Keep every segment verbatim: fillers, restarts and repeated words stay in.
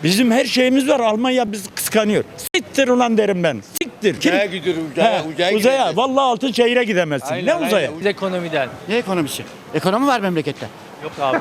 Bizim her şeyimiz var. Almanya bizi kıskanıyor. Siktir ulan derim ben. Siktir. Kim? Uzaya gidiyorum, uzaya, He, uzaya uzaya. gideceğiz. Vallahi altın şehire gidemezsin. Aynen, ne uzaya? aynen. Biz ekonomiden. Ne ekonomisi? Ekonomi var memlekette. Yok abi.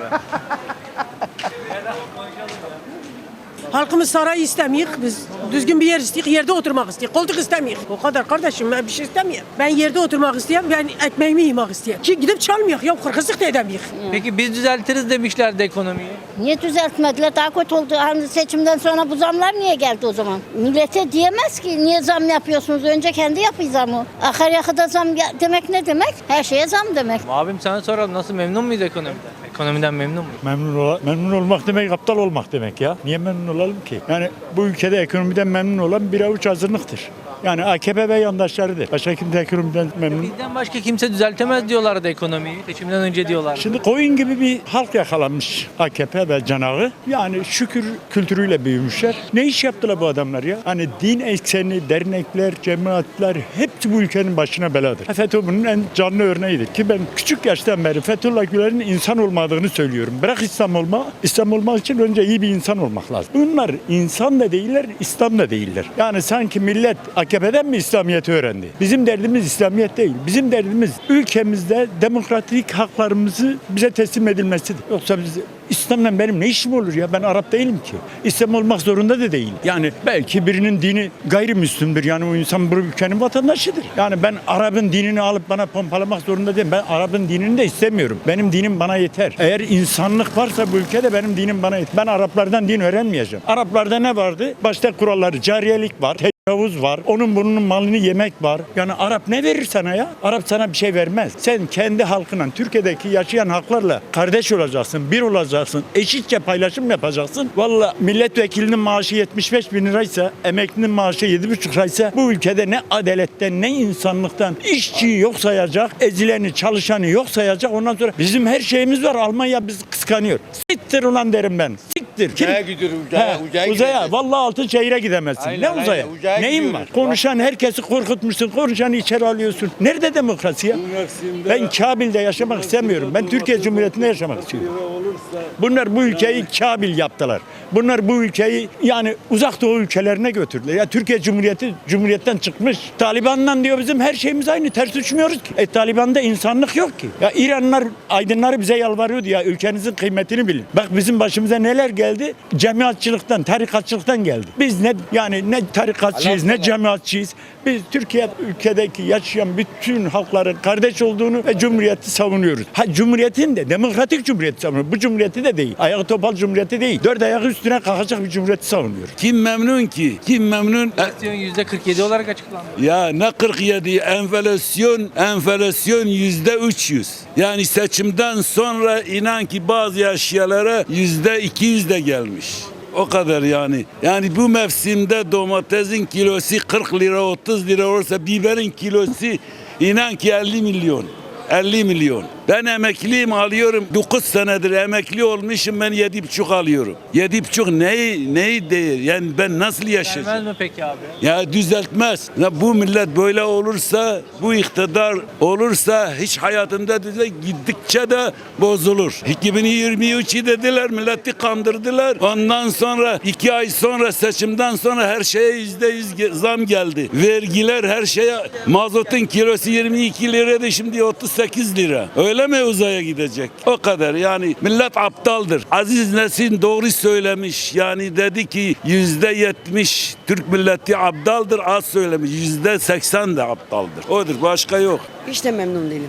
Halkımız saray istemiyor. Biz düzgün bir yer istiyoruz. Yerde oturmak istiyoruz. Koltuk istemiyor. O kadar kardeşim, ben bir şey istemiyorum. Ben yerde oturmak istiyorum. Ben ekmeğimi yemek istiyorum. Ki gidip çalmıyor. Ya kırkızlık da edemiyor. Peki biz düzeltiriz demişlerdi ekonomiyi. Niye düzeltmediler? Daha kötü oldu. Hani seçimden sonra bu zamlar niye geldi o zaman? Millete diyemez ki niye zam yapıyorsunuz? Önce kendi yapıyor zamı. Akaryakıda zam ya- demek ne demek? Her şeye zam demek. Abim sana soralım, nasıl, memnun muyuz ekonomiden? Ekonomiden memnun muyuz? Memnun, ola, memnun olmak demek aptal olmak demek ya. Niye memnun olalım ki? Yani bu ülkede ekonomiden memnun olan bir avuç azınlıktır. Yani A K P ve yandaşlarıdır. Başka kimse ekonomiden memnun. Bizden başka kimse düzeltemez diyorlardı ekonomiyi. Seçimden önce diyorlardı. Şimdi koyun gibi bir halk yakalanmış A K P ve canağı. Yani şükür kültürüyle büyümüşler. Ne iş yaptılar bu adamlar ya? Hani din ekseni, dernekler, cemaatler hepsi bu ülkenin başına beladır. FETÖ bunun en canlı örneğidir. Ki ben küçük yaştan beri Fethullah Gülen'in insan olmadığını söylüyorum. Bırak İslam olma, İslam olmak için önce iyi bir insan olmak lazım. Bunlar insan da değiller, İslam da değiller. Yani sanki millet A K P'den mi İslamiyet'i öğrendi? Bizim derdimiz İslamiyet değil. Bizim derdimiz ülkemizde demokratik haklarımızı bize teslim edilmesidir. Yoksa biz İslam'la benim ne işim olur ya? Ben Arap değilim ki. İslam olmak zorunda da değil. Yani belki birinin dini gayrimüslimdir. Yani o insan bu ülkenin vatandaşıdır. Yani ben Arap'ın dinini alıp bana pompalamak zorunda değilim. Ben Arap'ın dinini de istemiyorum. Benim dinim bana yeter. Eğer insanlık varsa bu ülkede benim dinim bana yeter. Ben Araplardan din öğrenmeyeceğim. Araplarda ne vardı? Başta kuralları, cariyelik var. Tecavüz var. Onun bunun malını yemek var. Yani Arap ne verir sana ya? Arap sana bir şey vermez. Sen kendi halkına, Türkiye'deki yaşayan halklarla kardeş olacaksın, bir olacaksın, eşitçe paylaşım yapacaksın. Vallahi milletvekilinin maaşı yetmiş beş bin liraysa, emeklinin maaşı yedi buçuk liraysa bu ülkede ne adaletten ne insanlıktan işçiyi yok sayacak, ezileni, çalışanı yok sayacak. Ondan sonra bizim her şeyimiz var. Almanya bizi kıskanıyor. Siktir ulan derim ben. Siktir. Kim? Uzaya gidiyorum, uzaya, He, uzaya uzaya. gideceğiz. Vallahi altın şehire gidemezsin. Aynen, ne aynen. uzaya? Uzaya Neyin gidiyoruz. var? Konuşan herkesi korkutmuşsun. Konuşanı içeri alıyorsun. Nerede demokrasi ya? Ben Kabil'de yaşamak istemiyorum. Ben Türkiye Cumhuriyeti'nde yaşamak istiyorum. Bunlar bu ülkeyi Kabil yaptılar. Bunlar bu ülkeyi yani uzak doğu ülkelerine götürdüler. Ya Türkiye Cumhuriyeti Cumhuriyetten çıkmış. Taliban'dan diyor bizim her şeyimiz aynı. Ters uçmuyoruz ki. E Taliban'da insanlık yok ki. Ya İranlılar, aydınları bize yalvarıyordu ya ülkenizin kıymetini bilin. Bak bizim başımıza neler geldi? Cemaatçılıktan, tarikatçılıktan geldi. Biz ne yani ne tarikatçıyız ne cemaatçiyiz. Biz Türkiye ülkedeki yaşayan bütün halkların kardeş olduğunu ve cumhuriyeti savunuyoruz. Ha cumhuriyetin de demokratik cumhuriyeti savunuyoruz. Bu cumhuriyeti de değil. Ayağı topal cumhuriyeti değil. Dört ayak üstüne kalkacak bir cumhuriyeti savunuyoruz. Kim memnun ki? Kim memnun? Enflasyon yüzde kırk yedi olarak açıklandı. Ya ne kırk yedi enflasyon, enflasyon yüzde üç yüz. Yani seçimden sonra inan ki bazı eşyalara yüzde iki yüz de gelmiş. O kadar yani. Yani bu mevsimde domatesin kilosu kırk lira otuz lira olursa biberin kilosu inan ki elli milyon. elli milyon. Ben emekliyim alıyorum. dokuz senedir emekli olmuşum ben yedi buçuk alıyorum. yedi buçuk neyi neyi değil? Yani ben nasıl yaşayacağım? Gelmez mi peki abi? Ya düzeltmez. Ya bu millet böyle olursa, bu iktidar olursa hiç hayatında düzel gittikçe de bozulur. iki bin yirmi üçü dediler, milleti kandırdılar. Ondan sonra iki ay sonra seçimden sonra her şeye yüzde yüz zam geldi. Vergiler her şeye, mazotun kilosu yirmi iki liraydı şimdi otuz sekiz lira. Öyle mi uzaya gidecek? O kadar yani millet aptaldır. Aziz Nesin doğru söylemiş. Yani dedi ki yüzde yetmiş Türk milleti aptaldır, az söylemiş. Yüzde seksen de aptaldır. Odur, başka yok. Hiç de memnun değilim.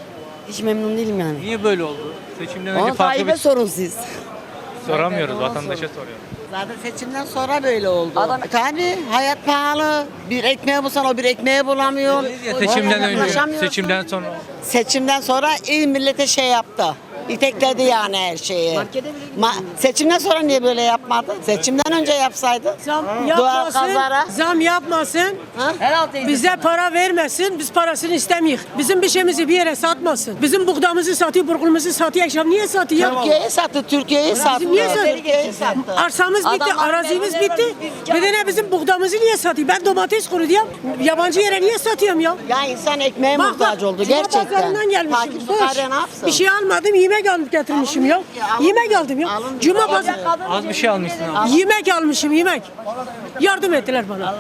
Hiç memnun değilim yani. Niye böyle oldu? Seçimden önce Onu farklı Tayyip'e bir sorun siz. soramıyoruz, Ona vatandaşa sorun. soruyoruz. Zaten seçimden sonra böyle oldu. Adam- Tabii hayat pahalı. Bir ekmeği bulsan o bir ekmeği bulamıyor. Ya seçimden önce, Ulaşamıyorsun. seçimden sonra. Seçimden sonra iyi millete şey yaptı. İtekledi yani her şeyi. Ma- seçimden sonra niye böyle yapmadı? Seçimden önce yapsaydı. Zam Doğal yapmasın. kazara. Zam yapmasın. Bize para vermesin. Biz parasını istemiyoruz. Bizim bir şeyimizi bir yere satmasın. Bizim buğdamızı satıyor, burgumuzu satıyor. Akşam niye satıyor? Türkiye'yi sattı, Türkiye'yi sattı. Bizim niye satıyor? Türkiye'yi sattı. Arsamız bitti, Adamlar arazimiz memnun bitti. Bir de ne bizim buğdamızı niye satıyor? Ben domates kuru diyorum. Yabancı yere niye satıyorum ya? Ya insan ekmeğe Bak muhtaç bak, oldu Cuma gerçekten. pazarından gelmişim. Fakir Boş. fukara ne yapsın? Bir şey almadım, yemek yemek alıp getirmişim ya. Yemek aldım ya. Cuma pazar Az bir şey almışsın abi. yemek almışım yemek. Yardım ettiler bana.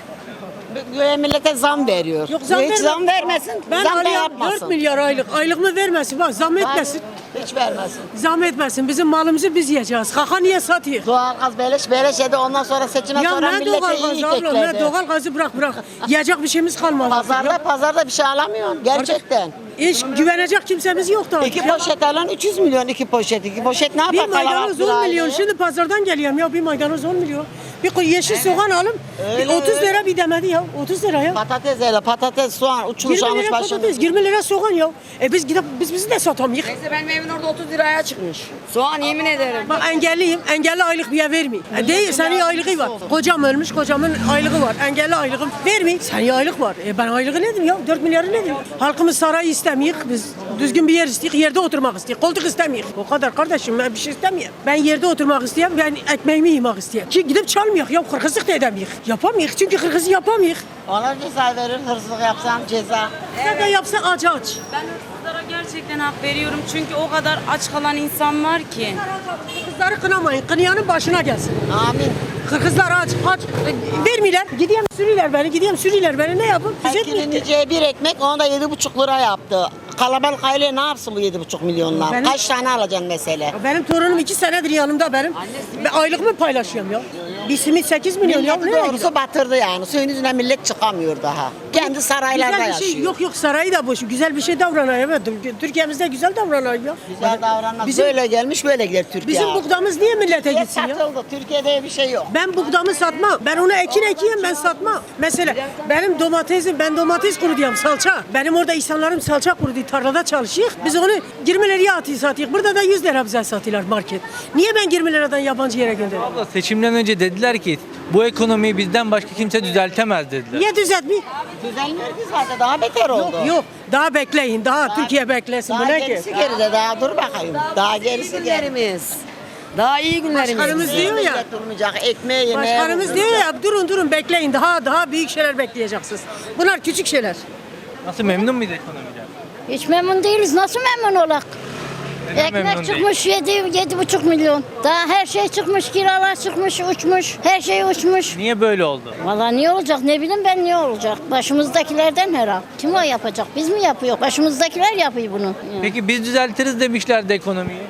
Böyle millete zam veriyor. Yok, zam Hiç verme. zam vermesin. Ben zam da alıyorum yapmasın. dört milyar aylık. Aylığımı vermesin bak zam etmesin. Hiç vermesin. Zam etmesin. Bizim malımızı biz yiyeceğiz. Kaka niye satıyor? Doğalgaz beleş beleş yedi ondan sonra seçime Ya sonra ne millete doğal iyi gazı abla ne tekledi. doğal gazı bırak bırak. Yiyecek bir şeyimiz kalmadı. Pazarda Ya, pazarda bir şey alamıyorsun gerçekten. hiç güvenecek kimsemiz yok da. İki poşet alan üç yüz milyon iki poşet. İki poşet ne Bir yapar kalabalık maydanoz bir on milyon. aileye? Şimdi pazardan geliyorum ya bir maydanoz on milyon. Bir koy yeşil soğan alım. Öyle, bir otuz öyle. lira bir demedi ya. otuz lira ya. Patates hele patates soğan uçmuş yirmi almış lira başını. patates, yirmi lira soğan ya. E biz gidip biz bizi de satamayız. Neyse benim evin orada otuz liraya çıkmış. Soğan yemin ederim. Bak engelliyim. Engelli aylık bir vermeyin. E değil senin aylığı var. Kocam ölmüş kocamın aylığı var. Engelli aylığım vermeyin. Senin aylık var. E ben aylığı ne diyeyim ya? dört milyarı ne diyeyim? Halkımız sarayı istemiyor. Biz düzgün bir yer istiyoruz. Yerde oturmak istiyoruz. Koltuk istemiyor. O kadar kardeşim ben bir şey istemiyorum. Ben yerde oturmak istiyorum. Ben ekmeğimi yemek istiyorum. Ki gidip çalmıyor ya. Kırkızlık da edemiyor. Yapamıyor. Çünkü kırkızı yapamıyor. Ona ceza verir hırsızlık yapsam ceza. Ne de yapsa aç aç. Ben hırsızlara gerçekten hak veriyorum çünkü o kadar aç kalan insan var ki. Kızları kınamayın. Kınayanın başına gelsin. Amin. Kırkızlar aç aç. E, vermiyorlar. Gideyim sürüler beni. Gideyim sürüler beni. Ne yapın? Biz etmiyoruz. Kiliniciye bir ekmek onu da yedi buçuk lira yaptı. Kalabalık aile ne yapsın bu yedi buçuk milyonla? Benim- Kaç tane alacaksın mesele? Benim torunum iki senedir yanımda benim. Ben aylığımı paylaşıyorum ya. Bir simit sekiz milyon ya. Milleti Nereye doğrusu gidiyor? batırdı yani. Suyun yüzüne millet çıkamıyor daha. Kendi saraylarda Güzel bir yaşıyor. şey yok yok sarayı da boş. Güzel bir şey davranıyor. Evet. Türkiye'mizde güzel davranıyor ya. Güzel davranmaz. Bizim- Böyle gelmiş böyle gider Türkiye. Bizim abi. buğdamız niye millete Millet gitsin ya? satıldı. Türkiye'de bir şey yok. Ben buğdamı satmam. Ben onu ekin ekeyim ben satmam. Mesela benim domatesim ben domates kuru diyorum salça. Benim orada insanlarım salça kuru diye tarlada çalışıyor. Biz onu yirmi liraya atıyor satıyor. Burada da yüz lira bize satıyorlar market. Niye ben yirmi liradan yabancı yere gönderiyorum? Abla seçimden önce dediler ki bu ekonomiyi bizden başka kimse düzeltemez dediler. Niye düzeltmiyor? Düzelmiyor ki zaten daha beter oldu. Yok yok. Daha bekleyin. Daha, Türkiye beklesin. Bu Daha ne ki? gerisi geride daha dur bakayım. Daha gerisi geride. Günlerimiz. Daha iyi günlerimiz. Başkanımız diyor ya. Millet durmayacak. Ekmeği yemeğe Başkanımız vurmayacak. diyor ya durun durun bekleyin. Daha daha büyük şeyler bekleyeceksiniz. Bunlar küçük şeyler. Nasıl memnun muydu ekonomiden? Hiç memnun değiliz. Nasıl memnun olak? Neden memnun Ekmek değil? çıkmış yedi, yedi buçuk milyon. Daha her şey çıkmış, kiralar çıkmış, uçmuş. Her şey uçmuş. Niye böyle oldu? Vallahi niye olacak ne bileyim ben niye olacak. Başımızdakilerden herhal. Kim o yapacak? Biz mi yapıyor? Başımızdakiler yapıyor bunu. Yani. Peki biz düzeltiriz demişlerdi ekonomiyi.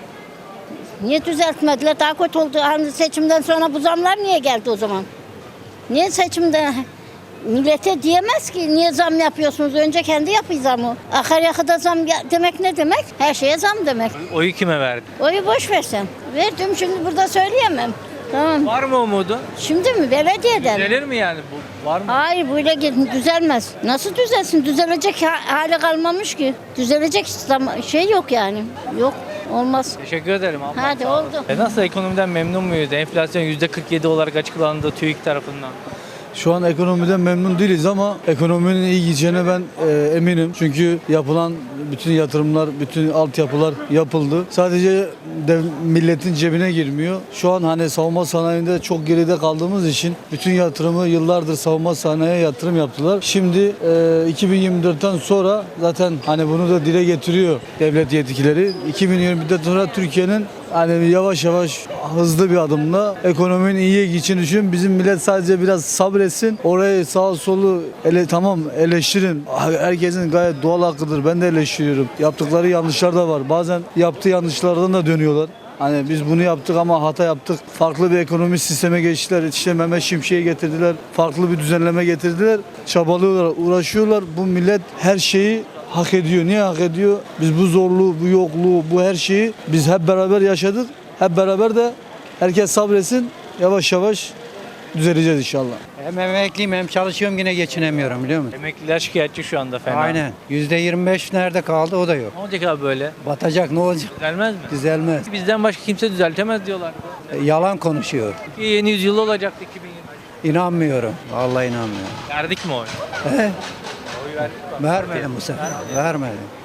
Niye düzeltmediler? Daha kötü oldu. Hani seçimden sonra bu zamlar niye geldi o zaman? Niye seçimde? Millete diyemez ki niye zam yapıyorsunuz? Önce kendi yapıyor zamı. Akaryakıda zam gel- demek ne demek? Her şeye zam demek. Oyu kime verdi? Oyu boş versen. Verdim şimdi burada söyleyemem. Tamam. Var mı umudun? Şimdi mi? Belediyeden. Düzelir mi yani bu? Var mı? Hayır böyle git- düzelmez. Nasıl düzelsin? Düzelecek ha- hali kalmamış ki. Düzelecek zam- şey yok yani. Yok. Olmaz. Teşekkür ederim abla. Hadi oldu. E nasıl ekonomiden memnun muyuz? Enflasyon yüzde kırk yedi olarak açıklandı TÜİK tarafından. Şu an ekonomiden memnun değiliz ama ekonominin iyi gideceğine ben e, eminim. Çünkü yapılan bütün yatırımlar, bütün altyapılar yapıldı. Sadece dev, milletin cebine girmiyor. Şu an hani savunma sanayinde çok geride kaldığımız için bütün yatırımı yıllardır savunma sanayiye yatırım yaptılar. Şimdi e, iki bin yirmi dörtten sonra zaten hani bunu da dile getiriyor devlet yetkileri. iki bin yirmi dörtten sonra Türkiye'nin hani yavaş yavaş hızlı bir adımla ekonominin iyiye gideceğini düşünüyorum. Bizim millet sadece biraz sabretsin. Orayı sağ solu ele, tamam eleştirin. Herkesin gayet doğal hakkıdır. Ben de eleştiriyorum. Yaptıkları yanlışlar da var. Bazen yaptığı yanlışlardan da dönüyorlar. Hani biz bunu yaptık ama hata yaptık. Farklı bir ekonomi sisteme geçtiler. İşte Mehmet Şimşek'i getirdiler. Farklı bir düzenleme getirdiler. Çabalıyorlar, uğraşıyorlar. Bu millet her şeyi hak ediyor. Niye hak ediyor? Biz bu zorluğu, bu yokluğu, bu her şeyi biz hep beraber yaşadık. Hep beraber de herkes sabretsin. Yavaş yavaş düzeleceğiz inşallah. Hem emekliyim hem çalışıyorum yine geçinemiyorum biliyor musun? Emekliler şikayetçi şu anda fena. Aynen. yüzde yirmi beş nerede kaldı o da yok. Ne olacak abi böyle? Batacak ne olacak? Düzelmez mi? Düzelmez. Bizden başka kimse düzeltemez diyorlar. E, Yalan konuşuyor. Ki yeni yüzyıl olacaktı iki bin yirmi. İnanmıyorum. Vallahi inanmıyorum. Verdik mi oy? He? Oy verdik mi? Vermedim bu sefer. Vermedim.